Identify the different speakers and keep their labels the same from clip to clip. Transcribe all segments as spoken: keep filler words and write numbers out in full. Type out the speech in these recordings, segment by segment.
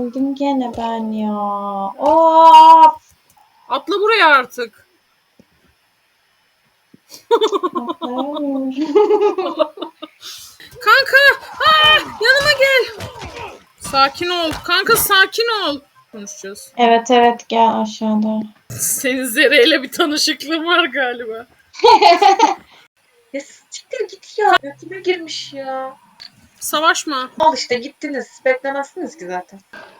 Speaker 1: öldüm gene ben ya. Of.
Speaker 2: Atla buraya artık. Kanka! Aa, yanıma gel. Sakin ol. Kanka sakin ol. Konuşacağız.
Speaker 1: Evet evet gel aşağıda.
Speaker 2: Senin Zere'yle bir tanışıklığın var galiba.
Speaker 3: Ya siktir git ya. Götüme girmiş ya.
Speaker 2: Savaşma.
Speaker 3: Al işte gittiniz. Beklemezsiniz ki zaten.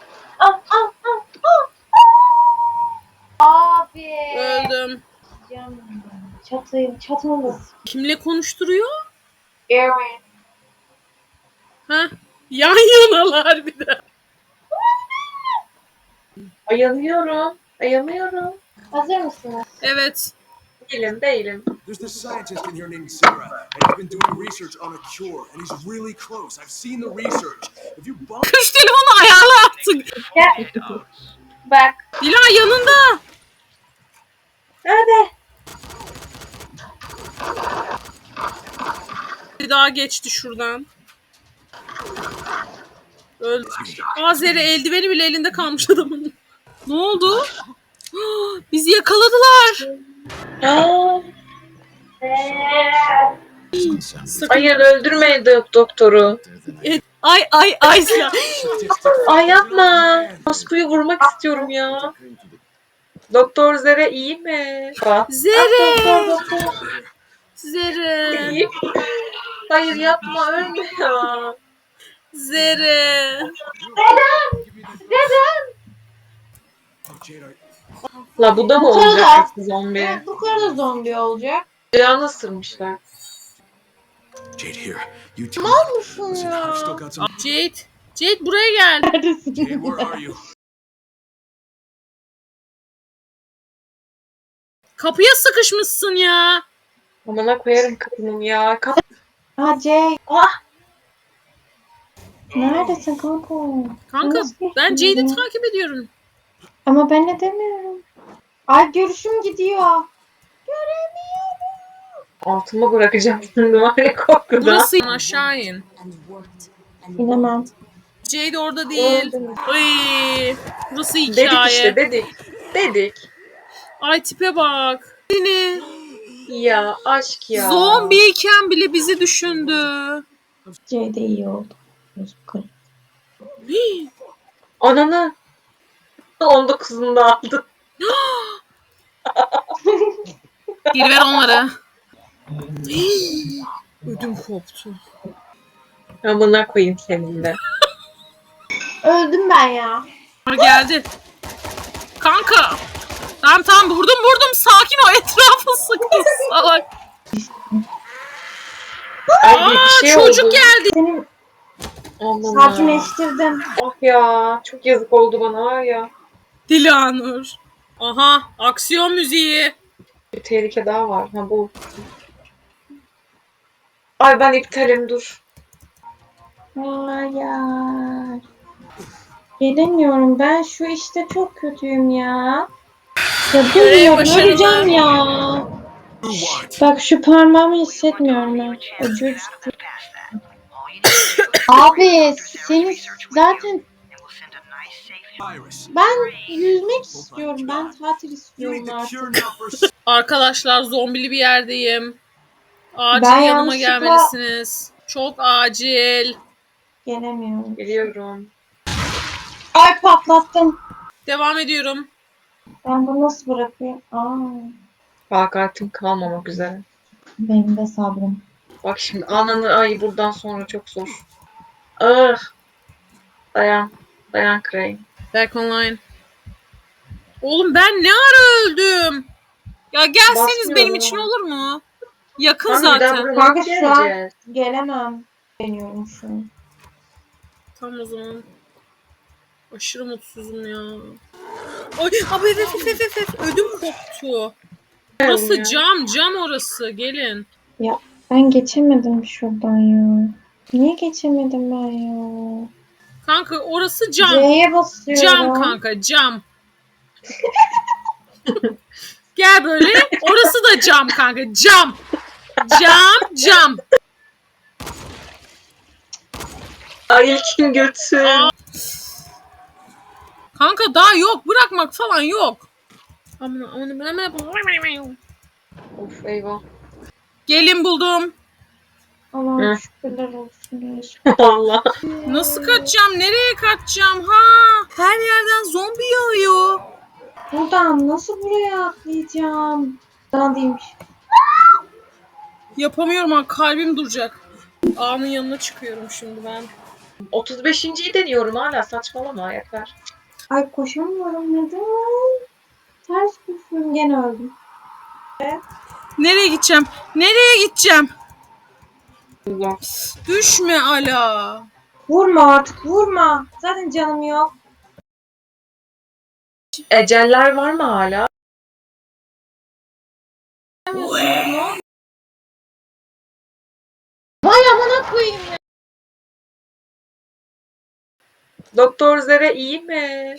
Speaker 1: Abi.
Speaker 2: Öldüm.
Speaker 1: Çatı, çatımız.
Speaker 2: Kimle konuşturuyor?
Speaker 1: Evet.
Speaker 2: Ha? Yan yanalar bir de.
Speaker 3: Ayamıyorum. Ayamıyorum.
Speaker 1: Hazır mısınız?
Speaker 2: Evet.
Speaker 3: Değilim değilim.
Speaker 4: There's this scientist in here named Sarah, and he's been doing research on a cure, and he's really close. I've seen the research. If you bump
Speaker 2: Kış telefonu ayarla artık.
Speaker 1: Bak.
Speaker 2: Dila yanında.
Speaker 3: Nerede?
Speaker 2: Bir daha geçti şuradan. Öldü. Aa Zere eldiveni bile elinde kalmış adamın. Ne oldu? Bizi yakaladılar.
Speaker 3: Aa,
Speaker 2: Sakın.
Speaker 3: hayır öldürmeyin dok- doktoru.
Speaker 2: Et- Ay ay ay.
Speaker 3: Ay yapma. Ospu'yu vurmak istiyorum ya. Doktor Zere iyi mi? Bak.
Speaker 2: Zere. Zere.
Speaker 3: İyi. Hayır yapma ölme ya.
Speaker 2: Zere.
Speaker 4: Jade, are-
Speaker 3: La bu da mı
Speaker 1: Bu kadar.
Speaker 3: olacak zombi?
Speaker 1: Bu kadar zombi olacak.
Speaker 3: Canı ısırmışlar.
Speaker 4: Jade, here. You too.
Speaker 1: Musun
Speaker 4: Listen,
Speaker 1: ya?
Speaker 4: I've still got some.
Speaker 2: Jade. Jade buraya gel.
Speaker 1: Neredesin?
Speaker 4: Jade, where are you?
Speaker 2: Kapıya sıkışmışsın ya.
Speaker 3: Amına koyarım kapının ya. Kap
Speaker 1: Aa Jay.
Speaker 3: Ah!
Speaker 1: Neredesin kanka?
Speaker 2: Kanka
Speaker 1: Nasıl
Speaker 2: ben Jade'i
Speaker 1: geçtin?
Speaker 2: takip ediyorum.
Speaker 1: Ama ben ne demiyorum. Ay görüşüm gidiyor.
Speaker 3: Altıma bırakacağım şimdi var ya korkudan.
Speaker 2: Burası aşağı in.
Speaker 1: İnemem.
Speaker 2: Jade orada değil.
Speaker 3: Öldüm.
Speaker 2: Ay, burası
Speaker 3: Dedik
Speaker 2: hikaye.
Speaker 3: işte dedik. Dedik.
Speaker 2: Ay tipe bak. Seni
Speaker 3: Ya aşk ya.
Speaker 2: zombiyken bile bizi düşündü.
Speaker 1: Jay de iyi oldu. Yukarı.
Speaker 2: Hii.
Speaker 3: Ananı. on dokuzunda aldı.
Speaker 2: Geri ver onları. Hii. Ödüm koptu.
Speaker 3: Amına koyayım senin de.
Speaker 1: Öldüm ben ya.
Speaker 2: Geldi. Kanka. Tamam tamam vurdum vurdum. Sakin ol. Etrafı sıkı salak.
Speaker 3: Ay
Speaker 2: Aa,
Speaker 3: bir şey
Speaker 2: çocuk
Speaker 3: oldu.
Speaker 2: geldi.
Speaker 1: Senin
Speaker 3: Aman
Speaker 1: sakinleştirdim.
Speaker 3: ah ya. Çok yazık oldu bana var ya.
Speaker 2: Dilanur. Aha aksiyon müziği.
Speaker 3: Bir tehlike daha var. Ha bu. Ay ben iptalim dur.
Speaker 1: Hayır. Gelemiyorum. Ben şu işte çok kötüyüm ya. Ya dur
Speaker 2: Görev
Speaker 1: ya
Speaker 2: başarılı.
Speaker 1: göreceğim ya.
Speaker 4: You what?
Speaker 1: Bak şu parmağımı hissetmiyorum ben. Acıyor ciddi. Abi seni zaten
Speaker 4: Iris.
Speaker 1: ben yüzmek istiyorum. Ben tatil
Speaker 4: You
Speaker 1: istiyorum
Speaker 4: need the
Speaker 1: artık.
Speaker 4: cure now for.
Speaker 2: Arkadaşlar zombili bir yerdeyim. Acil
Speaker 1: Ben
Speaker 2: yanıma
Speaker 1: yanlışlıkla-
Speaker 2: gelmelisiniz. Çok acil.
Speaker 1: Gelemiyorum.
Speaker 3: Geliyorum.
Speaker 1: Ay patlattım.
Speaker 2: Devam ediyorum.
Speaker 1: Ben bunu nasıl bırakayım? Aa,
Speaker 3: Takatim kalmamak üzere.
Speaker 1: benim de sabrım.
Speaker 3: Bak şimdi ananı ay buradan sonra çok zor. Ah. Dayan. Dayan Crane.
Speaker 2: Back online. Oğlum ben ne ara öldüm? Ya gelseniz
Speaker 3: Basmıyor
Speaker 2: benim
Speaker 3: ya.
Speaker 2: için olur mu? Yakın
Speaker 3: Kanka bir daha
Speaker 2: zaten.
Speaker 3: buraya
Speaker 1: Kanka
Speaker 3: nasıl
Speaker 1: şu an-
Speaker 3: geleceğiz?
Speaker 1: Gelemem. Deniyorum şu an.
Speaker 2: Tamam o zaman. Aşırı mutsuzum ya. Ay abi evet evet evet evet. Ödüm koptu. Orası
Speaker 3: Ya.
Speaker 2: cam cam orası gelin.
Speaker 1: Ben geçemedim şuradan ya. Niye geçemedim ben ya?
Speaker 2: Kanka orası cam.
Speaker 1: C'ye basıyorum.
Speaker 2: Cam kanka cam. Gel böyle. Orası da cam kanka cam. Cam cam.
Speaker 3: Ay ilkin götü.
Speaker 2: Aa. Kanka daha yok. Bırakmak falan yok. Aman aman aman.
Speaker 3: Of eyvah.
Speaker 2: Gelin buldum.
Speaker 1: Allah'ım
Speaker 3: Hı.
Speaker 1: şükürler olsun.
Speaker 3: Allah.
Speaker 2: Nasıl kaçacağım? Nereye kaçacağım? Ha? Her yerden zombi yağıyor.
Speaker 1: Buradan nasıl buraya atlayacağım? Buradan değilmiş.
Speaker 2: Yapamıyorum ha. Kalbim duracak. Ağanın yanına çıkıyorum şimdi ben.
Speaker 3: otuz beşinciyi deniyorum hala, saçmalama yeter.
Speaker 1: Ay koşamıyorum neden? Ters koşuyorum gene öldüm.
Speaker 2: Nereye gideceğim? Nereye gideceğim?
Speaker 3: Allah.
Speaker 2: Düşme Ala.
Speaker 1: Vurma artık vurma. Zaten canım yok.
Speaker 3: Eceller var mı hala?
Speaker 1: Vay amına koyayım ya.
Speaker 3: Doktor Zere iyi mi?